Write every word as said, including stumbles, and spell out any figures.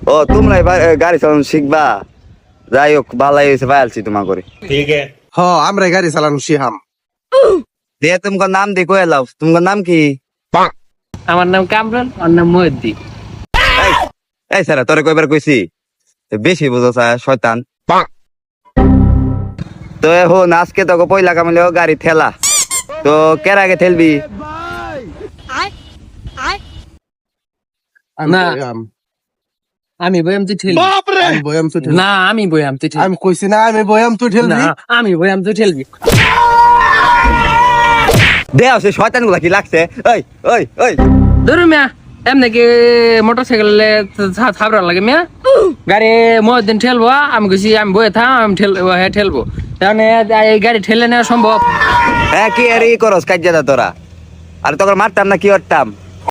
ও তোমরা এবার গাড়ি চালানো শিখবা, যাই হোক ভালাই হয়েছে পাইলছি তোমার করে। ठीक है হ আমরা গাড়ি চালানো শিহাম। দিয়ে তোমার নাম দিয়ে কয়ে লাও, তোমার নাম কি? আমার নাম কামরুল, ওর নাম মহিউদ্দিন। এই এই স্যার তোরে কয়বার কইছি বেশি বুঝো শয়তান। তো এখন আজকে তোকে পয়লা কামাইলে গাড়ি ঠেলা, তো কের আগে ঠেলবি? আমি না। বয়াম। আমি বয়াম তুই ঠেলবি। আমি বয়াম তুই ঠেলবি। না আমি বয়াম তুই ঠেলবি। আমি কইছি না আমি বয়াম তুই ঠেলবি। না আমি বয়াম তুই ঠেলবি। দেও সে শয়তান গুলা কি লাগছে? ওই ওই ওই ধরু মিয়া এমনি কি মোটর সাইকেলে থাবরা লাগে মিয়া, গাড়ি মহিউদ্দিন ঠেলবো, আমি কইছি আমি বয়ে থাম, আমি ঠেল হ্যাঁ ঠেলবো, তাহলে এই গাড়ি ঠেলে নেওয়া সম্ভব? হ্যাঁ কি আর ই করস কাজ তোরা, আর তোকে মারতাম না কি করতাম?